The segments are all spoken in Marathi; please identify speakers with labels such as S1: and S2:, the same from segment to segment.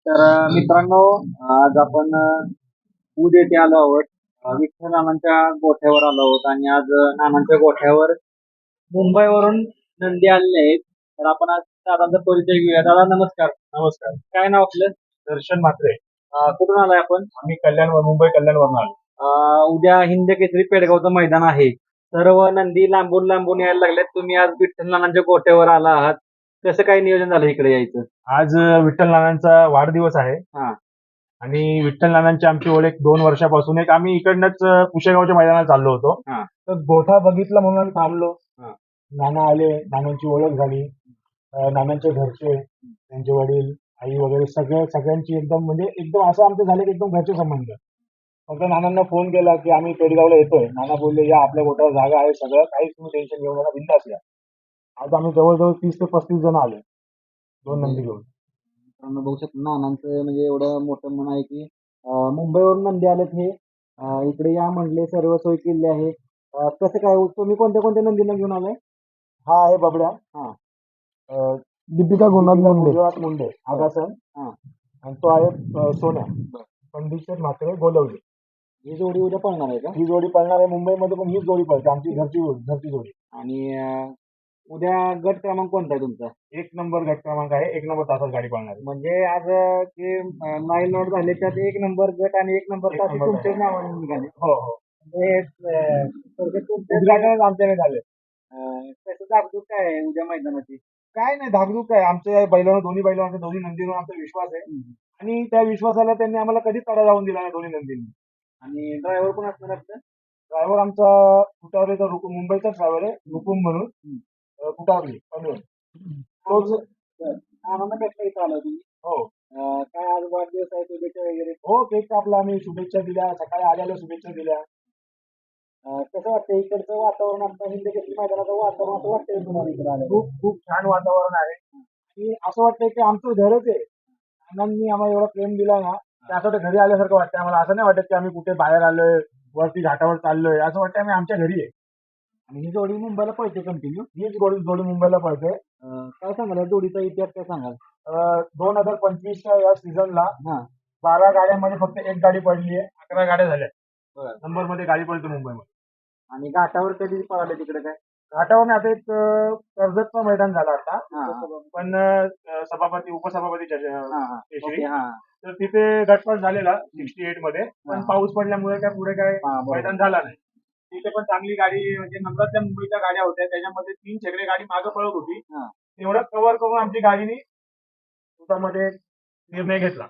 S1: तर मित्रांनो, आज आपण ऊद येथे आलो आहोत. विठ्ठल नानांच्या गोठ्यावर आलो आहोत आणि आज नानांच्या गोठ्यावर मुंबईवरून नंदी आलेले आहेत. तर आपण आज दादांचा परिचय घेऊया. दादा नमस्कार.
S2: नमस्कार.
S1: काय नाव आपलं?
S2: दर्शन म्हात्रे.
S1: कुठून आलाय आपण?
S2: आम्ही मुंबई कल्याणवरून आलो.
S1: उद्या हिंद केसरी पेडगावचं मैदान आहे. सर्व नंदी लांबून लांबून यायला लागलेत. तुम्ही आज विठ्ठल नानांच्या गोठ्यावर आला आहात. कसं काय नियोजन झालं इकडे यायचं?
S2: आज विठ्ठल नानांचा वाढदिवस आहे
S1: हा.
S2: आणि विठ्ठल नानांची आमची ओळख 2 वर्षापासून मी इकडनंच पुशेगावच्या मैदानात चाललो होतो.
S1: हा.
S2: तर गोठा बघितला म्हणून आम्ही थांबलो.
S1: हा.
S2: नाना आले, नानांची ओळख झाली. नानांचे घरचे, त्यांचे वडील, आई वगैरे सगळ्यांची एकदम असं आमचं झालं की एकदम घरचे संबंध. फक्त नानांना फोन केला की आम्ही पेडगावला येतोय. नाना बोलले या आपल्या गोठ्यावर जागा आहे, सगळं काहीच तुम्ही टेन्शन घेऊ नका, बिंदास या. आज आम्ही जवळजवळ 30 ते 35 जण आलो 2 नंदी घेऊन.
S1: मित्रांनो बघू शकता नानांचं म्हणजे एवढं मोठं मन आहे की मुंबईवरून नंदी आलेत हे. इकडे या म्हणले, सर्व सोय केली आहे. कसं काय तुम्ही कोणत्या कोणत्या नंदीला घेऊन आलाय?
S2: हा आहे बबड्या.
S1: हा.
S2: दीपिका गुजरात मुंडे
S1: हा.
S2: आगासन.
S1: हा.
S2: आणि तो आहे सोन्या. कंडिशन मात्र गोलवली.
S1: ही जोडी उद्या पळणार आहे का?
S2: ही जोडी पळणार आहे मुंबईमध्ये, पण हीच जोडी पळते आमची घरची जोडी.
S1: आणि उद्या गट क्रमांक कोणता आहे तुमचा?
S2: 1 नंबर गट क्रमांक आहे. 1 नंबर तासात गाडी पळणार आहे.
S1: म्हणजे आज जे माईल नोट झाले त्यात 1 नंबर गट आणि 1 नंबर तास तुमच्याच नावाने निघाले.
S2: हो हो.
S1: म्हणजे थोडक्यात तुमच्या
S2: उद्घाटन आमच्याने झाले.
S1: कसं जागरूक काय आहे उद्या मैदानाची?
S2: काय नाही धाकधूक आहे. आमच्या दोन्ही बैलांवर दोन्ही नंदीवर आमचा विश्वास आहे आणि त्या विश्वासाला त्यांनी आम्हाला कधीच तडा जाऊन दिला नाही दोन्ही नंदींनी.
S1: आणि ड्रायव्हर कोण असणार आपलं?
S2: ड्रायव्हर आमचा कुटावलेचा मुंबईचा ड्रायव्हर आहे रुकुम म्हणून. कुटावली पनवेल. तोच.
S1: आम्हाला कसं इथं आलं तुम्ही?
S2: हो.
S1: काय आज वाढदिवस आहे, शुभेच्छा वगैरे?
S2: हो, केक कापला आम्ही, शुभेच्छा दिल्या, सकाळी आल्याला शुभेच्छा दिल्या.
S1: कसं वाटतं इकडचं वातावरण, आमचं हिंद केसरी मैदानाचं वातावरण असं वाटतंय तुम्हाला इकडे आलं?
S2: खूप खूप छान वातावरण आहे आणि असं वाटतंय की आमचं घरच आहे. नानांनी आम्हाला एवढा प्रेम दिला ना, की असं वाटतं घरी आल्यासारखं वाटतं आम्हाला. असं नाही वाटत की आम्ही कुठे बाहेर आलोय, वरती घाटावर चाललोय. असं वाटतं आम्ही आमच्या घरी आहे.
S1: आणि ही जोडी मुंबईला पळते कंटिन्यू.
S2: हीच जोडी मुंबईला पळते.
S1: काय सांगाल या जोडीचा इतिहास काय सांगाल?
S2: 2025च्या या सीझनला
S1: हा.
S2: 12 गाड्यांमध्ये फक्त 1 गाडी पडली आहे. 11 गाड्या झाल्या.
S1: बरं.
S2: नंबरमध्ये गाडी पळते मुंबईमध्ये.
S1: आणि घाटावर कधी पळाले तिकडे काय?
S2: घाटावर आता एक कर्जतचं मैदान झालं आता.
S1: हा.
S2: पण सभापती उपसभापती केशरी.
S1: हा.
S2: तर तिथे गटपास झालेला 68 मध्ये, पण पाऊस पडल्यामुळे काय पुढे काय मैदान झाला नाही. तिथे पण चांगली गाडी म्हणजे नंबरच्या मुंबईच्या गाड्या होत्या, त्याच्यामध्ये 3 छकडे गाडी मागे पळत होती. तेवढं कव्हर करून आमची गाडीने स्वतःमध्ये निर्णय घेतला.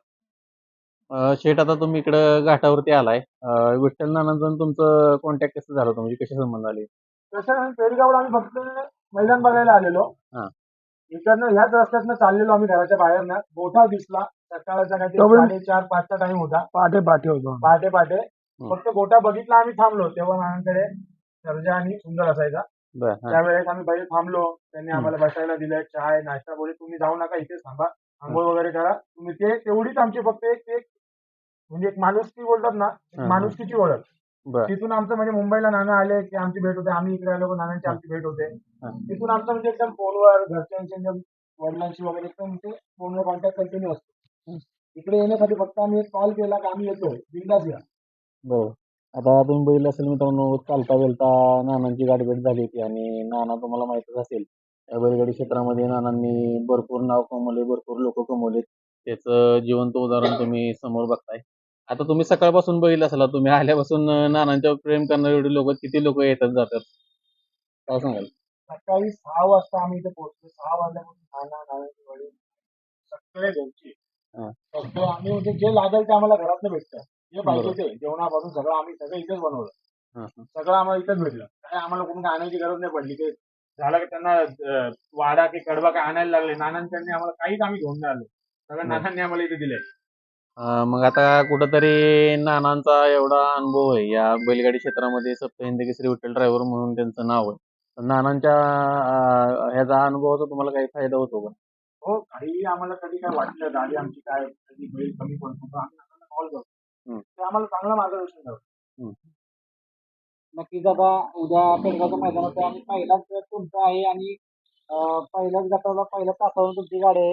S3: शेठ, आता तुम्ही इकडं घाटावरती आलाय. विठ्ठल नानांचं तुमचं कॉन्टॅक्ट कसं झालं होतं, म्हणजे कसे संबंध आले?
S2: तसं पेडगावला आम्ही फक्त मैदान बघायला आलेलो.
S3: हा.
S2: इकडनं ह्याच रस्त्यातनं चाललेलो आम्ही घराच्या बाहेरनं. गोठा दिसला. सकाळचा काहीतरी 4:30-5चा टाइम होता. पहाटे फक्त गोठा बघितला, आम्ही थांबलो. तेव्हा नानांकडे सर्जा आणि सुंदर असायचा. त्यावेळेस आम्ही बाहेर थांबलो. त्यांनी आम्हाला बसायला दिलं, चाय नाश्ता. बोले तुम्ही जाऊ नका, इथेच थांबा, आंघोळ वगैरे करा तुम्ही. तेवढीच आमची फक्त एक म्हणजे एक माणुसकी बोलतात ना, माणुसकीची ओळख. तिथून आमचं म्हणजे मुंबईला नाना आले की आमची भेट होते, आम्ही इकडे आलो नानांची आमची भेट होते. तिथून आमचं म्हणजे एकदम फोनवर घरच्यांच्या वडिलांशी वगैरे एकदम ते फोनवर कॉन्टॅक्ट कंटिन्यू असतो. इकडे येण्यासाठी फक्त आम्ही एक कॉल केला की आम्ही येतोय, बिंदास या.
S3: बरं. आता तुम्ही बघितलं असेल मित्रांनो, चालता वेलता नानांची गाठभेट झाली होती आणि नाना तुम्हाला माहितच असेल, या बैलगाडी क्षेत्रामध्ये नानांनी भरपूर नाव कमवले, भरपूर लोक कमवलेत. त्याचं जिवंत उदाहरण तुम्ही समोर बघताय. आता तुम्ही सकाळपासून बघितलं असेल, तुम्ही आल्यापासून नानांच्यावर प्रेम करणारे एवढे लोक, किती लोक येतात जातात, काय सांगाल?
S2: सकाळी 6 वाजता आम्ही इथे पोहोचलो. 6 वाजल्यापासून नानांचे वडील सगळे घरचे सगळं आम्ही म्हणजे जे लागेल ते आम्हाला घरातलं भेटतं. जे पाहिजे ते जेवणापासून सगळं आम्ही इथेच बनवलं. सगळं आम्हाला इथेच भेटलं. काय आम्हाला कुठून आणायची गरज नाही पडली. की झालं की त्यांना वाडा की कडबा काय आणायला लागले. नानांनी आम्हाला काहीच आम्ही घेऊन नाही आलो. सगळं नानांनी आम्हाला इथे दिलंय.
S3: मग आता कुठंतरी नानांचा एवढा अनुभव आहे या बैलगाडी क्षेत्रामध्ये, सप्त हिंद केसरी विठ्ठल ड्रायव्हर म्हणून त्यांचं नाव आहे. तर नानांच्या ह्याचा अनुभवाचा तुम्हाला काही फायदा होतो का?
S2: हो, काही आम्हाला कधी काय वाटलं गाडी आमची काय कधी बैल कमी पडतो तर आम्ही नानांना कॉल करतो. ते आम्हाला चांगलं मार्गदर्शन करतो.
S1: नक्कीच आता उद्या पेडगावच्या मैदानात आणि पहिलाच तुमचा आहे आणि पहिल्याच गटाला पहिल्या तासावरून तुमची गाडी आहे.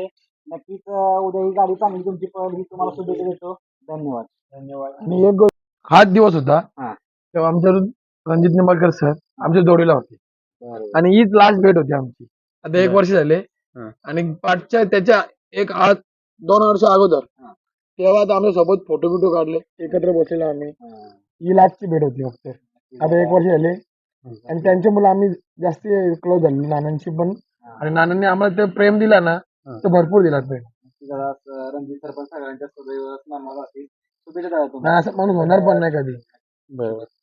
S1: नक्कीच उद्या ही गाडी चांगली तुमची पळेल ही तुम्हाला शुभेच्छा देतो. धन्यवाद.
S2: धन्यवाद. आणि एक गोष्ट, हाच दिवस होता
S1: हा.
S2: तेव्हा आमच्या रणजित निंबाळकर सर आमच्या जोडीला होते
S1: बरोबर.
S2: आणि हीच लास्ट भेट होती आमची. आता 1
S1: बरं.
S2: वर्ष झाले
S1: हा.
S2: आणि पाठच्या त्याच्या 2 वर्ष अगोदर
S1: हा.
S2: तेव्हा आता आमच्या सोबत फोटो बिटो काढले, एकत्र बसलेलो आम्ही.
S1: हा.
S2: ही लास्टची भेट होती फक्त. आता 1 वर्ष झाले आणि त्यांच्या मुलं आम्ही जास्त क्लोज झालो नानांशी पण. आणि नानांनी आम्हाला ते प्रेम दिला ना तर भरपूर दिला प्रेम.
S1: जरा रणजित सरपंच सगळ्यांच्या सदैव स्मरणात राहतील. शुभेच्छा द्या तुम्हाला.
S2: नाही असं माणूस होणार पण नाही कधी.
S3: बरोबर.